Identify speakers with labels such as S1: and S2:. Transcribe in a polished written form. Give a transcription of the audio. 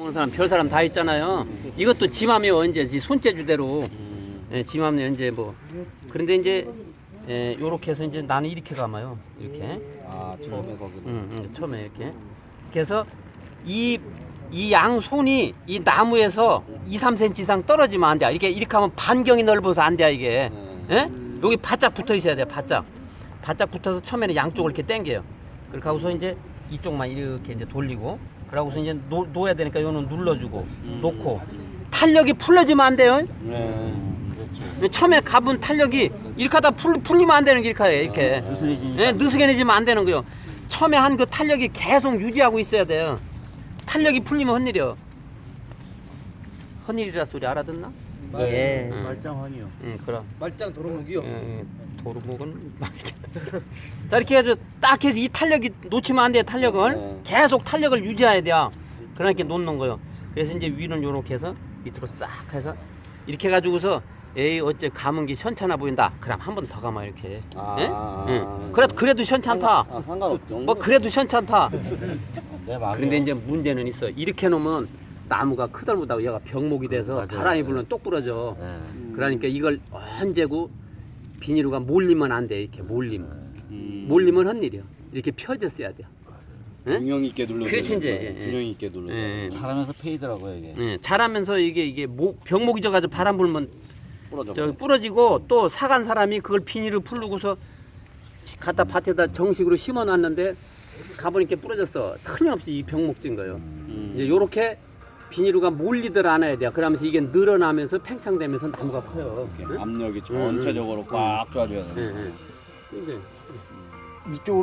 S1: 보는 사람 별 사람 다 있잖아요. 이것도 지맘이요. 이제 손재주대로 지맘이 이제 뭐 그런데 이제 요렇게 해서 이제 나는 이렇게 감아요. 이렇게.
S2: 아 처음에 거기.
S1: 처음에 이렇게. 그래서 이 양손이 이 나무에서 2, 3cm 이상 떨어지면 안 돼. 이렇게 하면 반경이 넓어서 안 돼, 이게. 예? 여기 바짝 붙어 있어야 돼, 바짝. 바짝 붙어서 처음에는 양쪽을 이렇게 당겨요. 그렇게 하고서 이제 이쪽만 이렇게 이제 돌리고, 그러고서 이제 놓아야 되니까 요는 눌러주고, 놓고. 탄력이 풀려지면 안 돼요.
S2: 네. 그렇죠.
S1: 처음에 가본 탄력이 이렇게 하다 풀리면 안 되는 게 이렇게.
S2: 느슨해지니까.
S1: 느슨해지면 안 되는 거요. 처음에 한 그 탄력이 계속 유지하고 있어야 돼요. 탄력이 풀리면 헛일이요. 헛일이라 소리 알아듣나?
S2: 예.
S3: 말짱하니요.
S1: 응, 그럼.
S3: 말짱 도루묵이요.
S1: 도루묵은 맛있겠다. 자, 이렇게 해서 딱 해서 이 탄력이 놓치면 안 돼요, 탄력을. 계속 탄력을 유지해야 돼요. 그러니까 놓는 거요. 그래서 이제 위는 요렇게 해서 밑으로 싹 해서 이렇게 해가지고서 에이, 어째 감은 게 시원찮아 보인다. 그럼 한 번 더 감아, 이렇게. 예? 그래도 시원찮다.
S2: 상관없죠.
S1: 뭐, 그래도 시원찮다.
S2: 네, 맞아요.
S1: 그런데 이제 문제는 있어. 이렇게 놓으면 나무가 크덜못하고 얘가 병목이 돼서
S2: 맞아요.
S1: 바람이 불면 똑 부러져.
S2: 네.
S1: 그러니까 이걸 언제고 비닐루가 몰리면 안 돼. 이렇게 몰리면. 몰리면 헛일이야. 이렇게 펴졌어야 돼요. 응?
S3: 균형 있게 눌러.
S1: 그렇지, 이제.
S3: 균형 있게 눌러.
S2: 잘하면서 페이더라고요 이게.
S1: 자라면서 이게 병목이 져가지고 바람 불면
S2: 부러져.
S1: 부러지고 또 사간 사람이 그걸 비닐을 풀르고서 갖다 밭에다 정식으로 심어놨는데 가보니까 부러졌어. 틀림없이 이 병목 진 거예요. 이제 요렇게 비닐루가 몰리들 않아야 돼요. 그러면서 이게 늘어나면서 팽창되면서 나무가 커요.
S3: 압력이 전체적으로 꽉 쏴줘야 돼.
S1: 이제
S3: 이쪽으로